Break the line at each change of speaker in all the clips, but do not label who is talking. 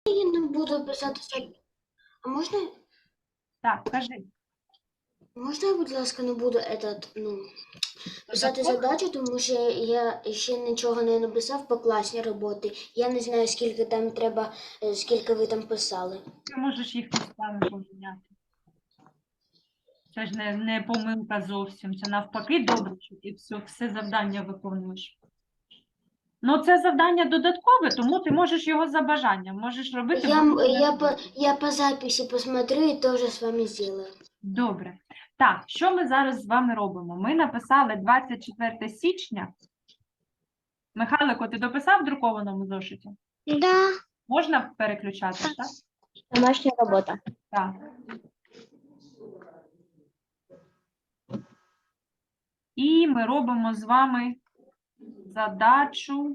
Я не буду писати. А
Так, кажи.
можна я, будь ласка, не буду писати
Додатково?
задачу, тому що я ще нічого не написав по класній роботи. Я не знаю, скільки там треба, скільки ви там писали.
Ти можеш їх місцями поміняти. Це ж не помилка зовсім. Це навпаки добре, що ти все завдання виконуєш. Ну, це завдання додаткове, тому ти можеш його за бажанням. Можеш робити
Я по записі посмотрю і теж з вами зроблю.
Добре. Так, що ми зараз з вами робимо? Ми написали 24 січня. Михайлико, ти дописав в друкованому зошиті?
Да.
Можна переключати, так?
Домашня робота.
Так. І ми робимо з вами задачу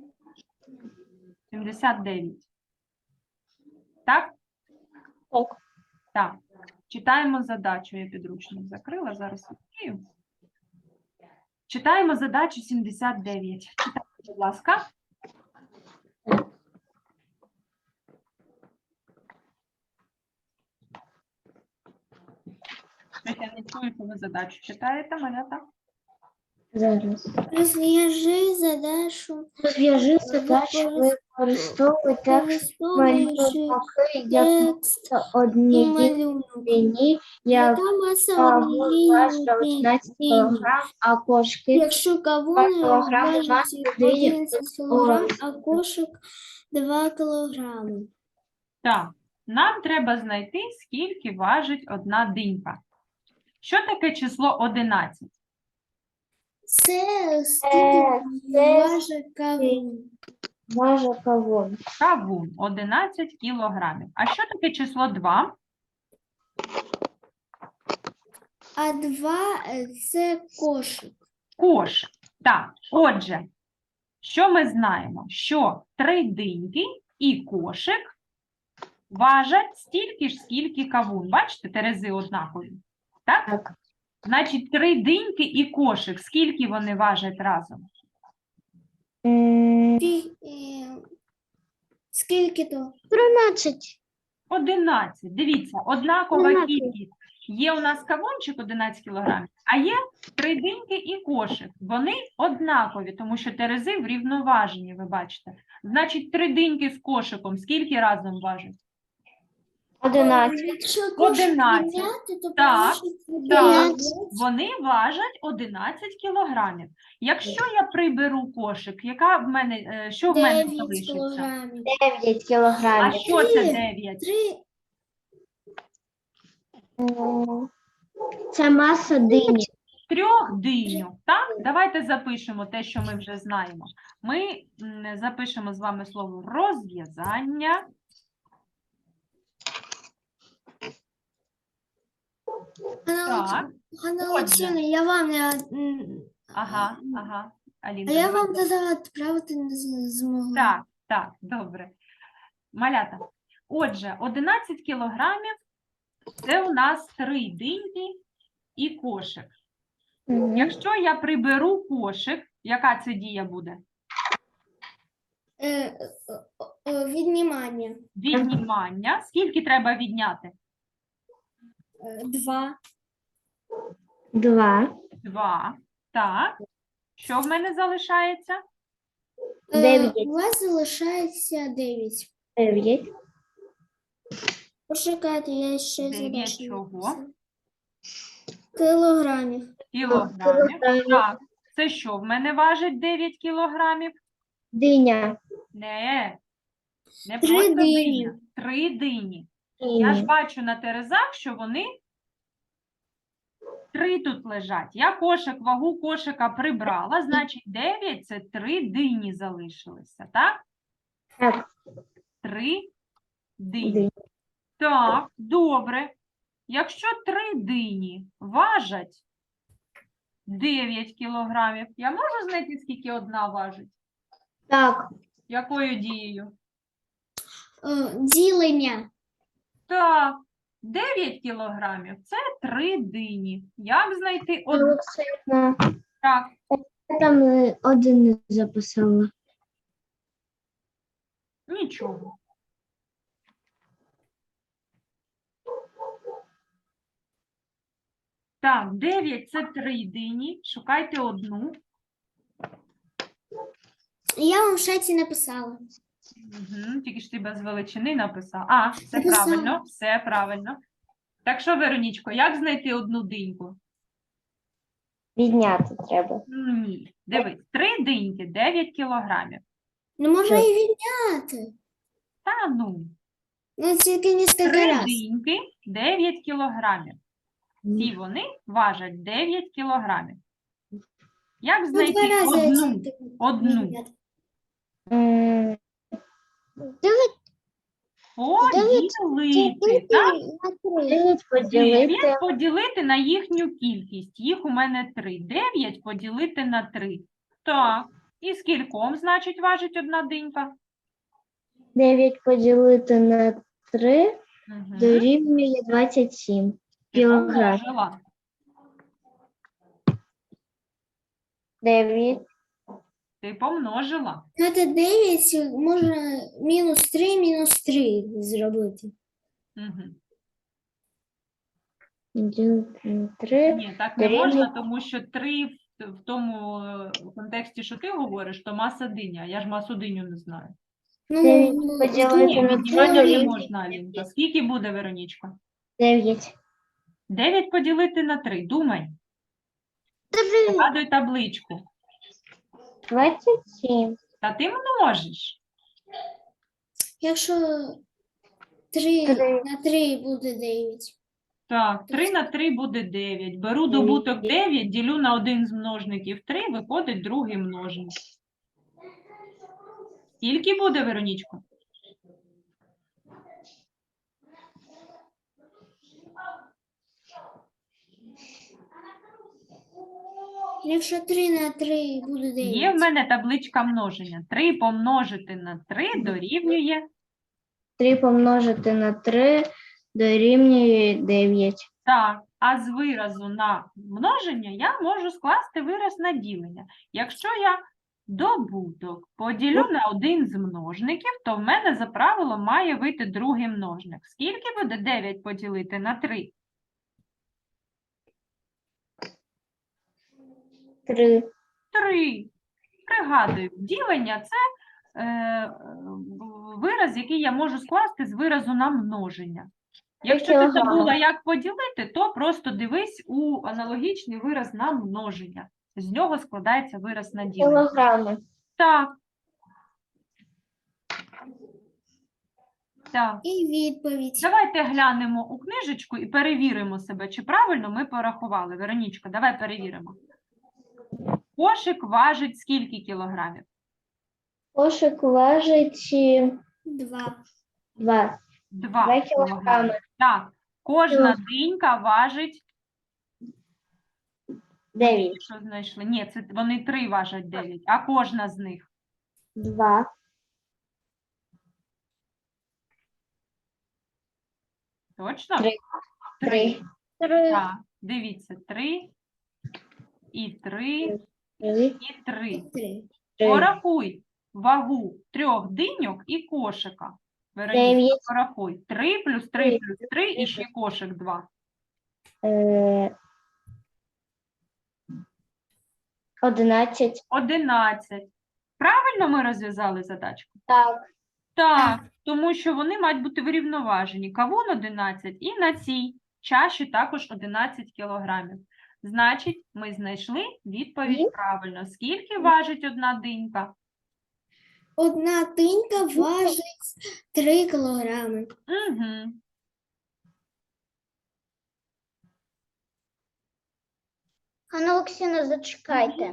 79. Так?
Так.
Так. Читаємо задачу. Я підручник закрила, зараз відкрию. Читаємо задачу 79. Читайте, будь ласка. Я не чую, що ви задачу читаєте, малята?
Зараз.
Розв'яжи задачу.
Розв'яжи задачу, використовуйте
Використовуючи
як
текст і
одній
малюнок.
дні,
Яка маса однієї
важить 19
дині?
кг, а кошки
Якщо кавун
кілограми
важить
маси дині
11 кг, а кошик 2 кг.
Так. Нам треба знайти, скільки важить одна динька. Що таке число 11?
Це скільки важить кавун?
важить кавун.
Кавун 11 кілограмів. А що таке число 2?
А 2 – це кошик.
Кошик. Так, отже, що ми знаємо? Що 3 диньки і кошик важать стільки ж, скільки кавун. Бачите, терези однакові. Так?
Так.
Значить, 3 диньки і кошик. Скільки вони важать разом?
Скільки то?
13.
11. Дивіться, однакова
11.
кількість. Є у нас кавунчик 11 кг, а є 3 диньки і кошик. Вони однакові, тому що терези врівноважені, ви бачите. Значить, 3 диньки з кошиком скільки разом важать?
11.
Якщо кошик
11.
підняти, то
Так,
получиться
Так,
9.
вони важать 11 кілограмів. Якщо я приберу кошик, яка в мене, що в мене
9
залишиться?
кілограмів.
9
А
кілограмів.
що це 9?
3
Це маса дині.
3 диньок, так? Давайте запишемо те, що ми вже знаємо. Ми запишемо з вами слово розв'язання. Так,
Ганна
Отже.
Олексіївна, я вам не...
ага.
А
Алінка,
я
давай.
вам казала, відправити не змогла.
Так, добре. Малята. Отже, 11 кілограмів – це у нас 3 диньки і кошик. Якщо я приберу кошик, яка це дія буде?
Віднімання.
Віднімання. Скільки треба відняти?
2.
2.
2. Так. Що в мене залишається?
9.
У вас залишається 9.
9.
Почекайте, я ще
9
задачу
чого?
написала. Кілограмів.
Кілограмів. Так. Це що в мене важить 9 кілограмів?
Диня.
Не
3
просто
дині.
диня. 3 дині. Я ж бачу на терезах, що вони 3 тут лежать. Я вагу кошика прибрала, значить 9 – це 3 дині залишилися, так?
Так.
3 дині. Так, добре. Якщо 3 дині важать 9 кілограмів, я можу знайти, скільки одна важить?
Так.
Якою дією?
Ділення.
Так, 9 кілограмів – це 3 дині. Як знайти одну?
Олексіївна,
Так,
я там один не записала.
нічого. Так, 9 – це 3 дині. Шукайте одну.
Я вам в шаті написала.
Угу, тільки ж ти без величини написав. А, все
Написала.
правильно, все правильно. Так що, Веронічко, як знайти одну диньку?
Відняти треба.
Ні. Дивись, 3 диньки, 9 кілограмів.
Ну, можна і відняти.
Та ну,
Ну, тільки не
3
скільки раз.
диньки, 9 кілограмів. Всі вони важать 9 кілограмів. Як
Ну,
знайти
2 рази
одну?
тільки
Одну.
відняти.
М,
Поділити, так?
9 поділити
9 поділити на їхню кількість. Їх у мене 3. 9 поділити на 3. Так. І скільком, значить, важить одна динька?
9 поділити на 3
Угу.
дорівнює 27 кілограм. 9
Ти помножила.
Ну, це 9 можна мінус 3 зробити.
Угу.
поділити на 3
Ні, так не
Дорівнює-
можна, тому що 3 в тому контексті, що ти говориш, то маса диня. Я ж масу диню не знаю.
Ну,
9
ну,
поділити
Ні,
на
віднімати
3
не
дорівнює
можна, Алінка. Скільки буде, Веронічка?
9.
9 поділити на 3. Думай. Згадуй табличку.
27.
Та ти множиш.
якщо 3
Три.
на 3 буде 9.
Так, 3 на 3 буде 9. Беру добуток 9, ділю на один з множників 3, виходить другий множник. Скільки буде, Веронічко?
Якщо 3 на 3 буде 9.
Є в мене табличка множення. 3 помножити на 3 дорівнює.
3 помножити на 3 дорівнює 9.
Так, а з виразу на множення я можу скласти вираз на ділення. Якщо я добуток поділю на один з множників, то в мене за правилом має вийти другий множник. Скільки буде 9 поділити на 3?
3.
3. Пригадую, ділення – це вираз, який я можу скласти з виразу на множення. Якщо ти
кілограми.
забула, як поділити, то просто дивись у аналогічний вираз на множення. З нього складається вираз на ділення.
Кілограми.
Так. Так.
І відповідь.
Давайте глянемо у книжечку і перевіримо себе, чи правильно ми порахували. Веронічка, давай перевіримо. Кошик важить скільки кілограмів?
Кошик важить
2.
2.
2
2
кілограми.
кілограми.
Так. Кожна динька важить
9.
Що знайшли? Ні, це вони 3 важать 9, а кожна з них
2.
точно?
3. 3.
Так, дивіться, 3 і 3
3.
і 3.
3.
Порахуй вагу 3 диньок і кошика. Вероніка,
9.
порахуй. 3 плюс 3 плюс 3 і ще кошик 2.
11.
11. Правильно ми розв'язали задачку?
Так.
Так, тому що вони мають бути врівноважені. Кавун 11 і на цій чаші також 11 кілограмів. Значить, ми знайшли відповідь правильно. Скільки важить одна динька?
Одна тинька важить 3 кілограми.
Угу.
Анна Олексійовна, зачекайте.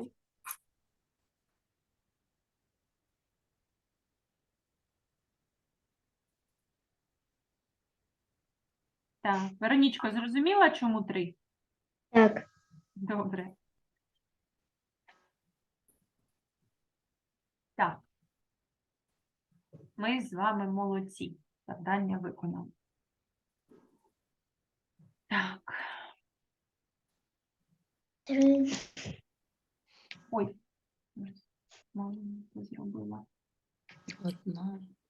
Так, Веронічко, зрозуміла, чому 3?
Так.
Добре. Так. Ми з вами молодці. Завдання виконано. Так.
3.
Ой. Маленько зробила.
Одна.